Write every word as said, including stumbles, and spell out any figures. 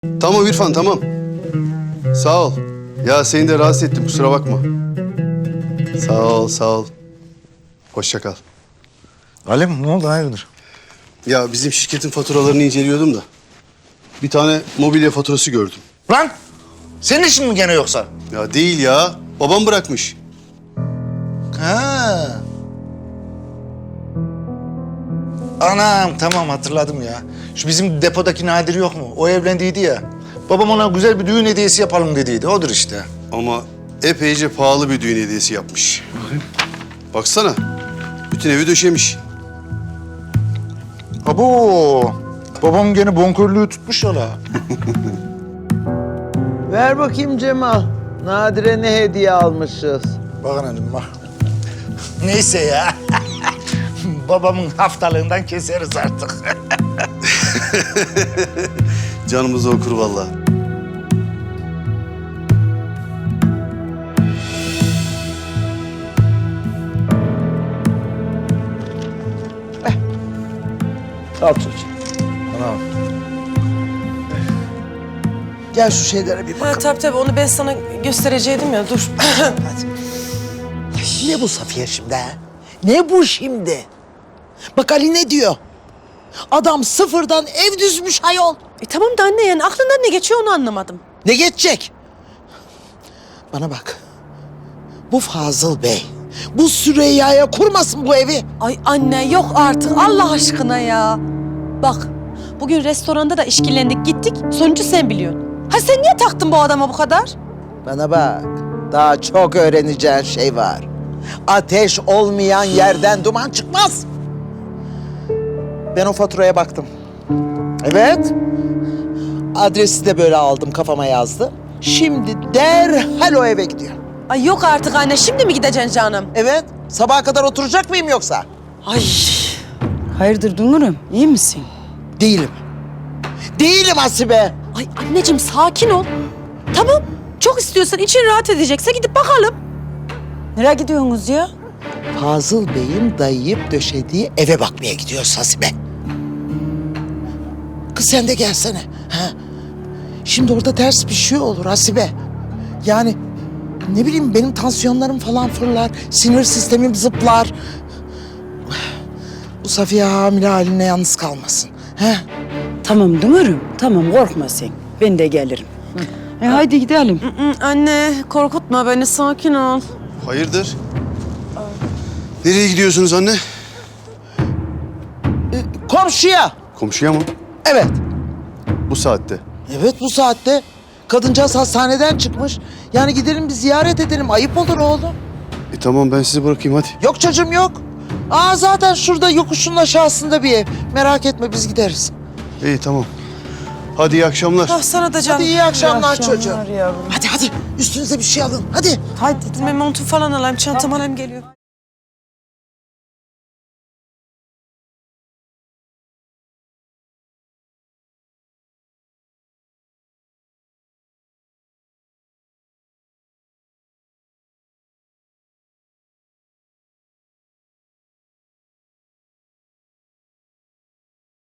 Tamam İrfan, tamam. Sağ ol. Ya seni de rahatsız ettim, kusura bakma. Sağ ol, sağ ol. Hoşça kal. Alem ne oldu hayırdır? Ya bizim şirketin faturalarını inceliyordum da bir tane mobilya faturası gördüm. Lan senin işin mi gene yoksa? Ya değil ya, babam bırakmış. Ha. Anam tamam hatırladım ya. Şu bizim depodaki Nadir yok mu? O evlendiydi ya. Babam ona güzel bir düğün hediyesi yapalım dediydi. Odur işte. Ama epeyce pahalı bir düğün hediyesi yapmış. Baksana, bütün evi döşemiş. Abo. Babam gene bonkörlüğü tutmuş ya la. Ver bakayım Cemal. Nadire ne hediye almışız? Bakın hanım bak. Neyse ya. Babamın haftalığından keseriz artık. Canımızı okur vallahi. Al çocuğum. Anam. Gel şu şeylere bir Ha, bakalım. tabii tabii onu ben sana göstereceydim ya dur. Ne bu Safiye şimdi ha? Ne bu şimdi? Bak Ali ne diyor? Adam sıfırdan ev düzmüş ayol. E, tamam da anne yani aklından ne geçiyor onu anlamadım. Ne geçecek? Bana bak. Bu Fazıl Bey, bu Süreyya'ya kurmasın bu evi. Ay anne yok artık Allah aşkına ya. Bak bugün restoranda da işkillendik gittik sonucu sen biliyorsun. Ha sen niye taktın bu adama bu kadar? Bana bak, daha çok öğreneceğin şey var. Ateş olmayan yerden duman çıkmaz. Ben o faturaya baktım. Evet. Adresi de böyle aldım, kafama yazdım. Şimdi derhal o eve gidiyor. Ay yok artık anne şimdi mi gideceksin canım? Evet, sabaha kadar oturacak mıyım yoksa? Ay Hayırdır Dünür'üm, iyi misin? Değilim. Değilim Asibe. ay anneciğim sakin ol. Tamam çok istiyorsan için rahat edecekse gidip bakalım. Nereye gidiyorsunuz ya? Fazıl Bey'in dayayıp döşediği eve bakmaya gidiyoruz Hasibe. Kız sen de gelsene. Ha? Şimdi orada ters bir şey olur Hasibe. Yani ne bileyim benim tansiyonlarım falan fırlar. Sinir sistemim zıplar. Bu Safiye hamile haline yalnız kalmasın. Ha? Tamam Dünür'üm, tamam korkma sen. Ben de gelirim. E haydi gidelim. Hı, anne korkutma beni sakin ol. Hayırdır? Nereye gidiyorsunuz anne? Komşuya. Komşuya mı? Evet. Bu saatte. Evet bu saatte. Kadıncağız hastaneden çıkmış. Yani gidelim bir ziyaret edelim. Ayıp olur oğlum. E tamam, ben sizi bırakayım hadi. Yok çocuğum yok. Aa zaten şurada yokuşun aşağısında bir ev. Merak etme biz gideriz. İyi tamam. Hadi iyi akşamlar. Ah sana da canım. Hadi iyi akşamlar, çocuğum. yavrum. Hadi hadi üstünüze bir şey alın hadi. Hadi. Ben montu falan alayım çantam alayım geliyor.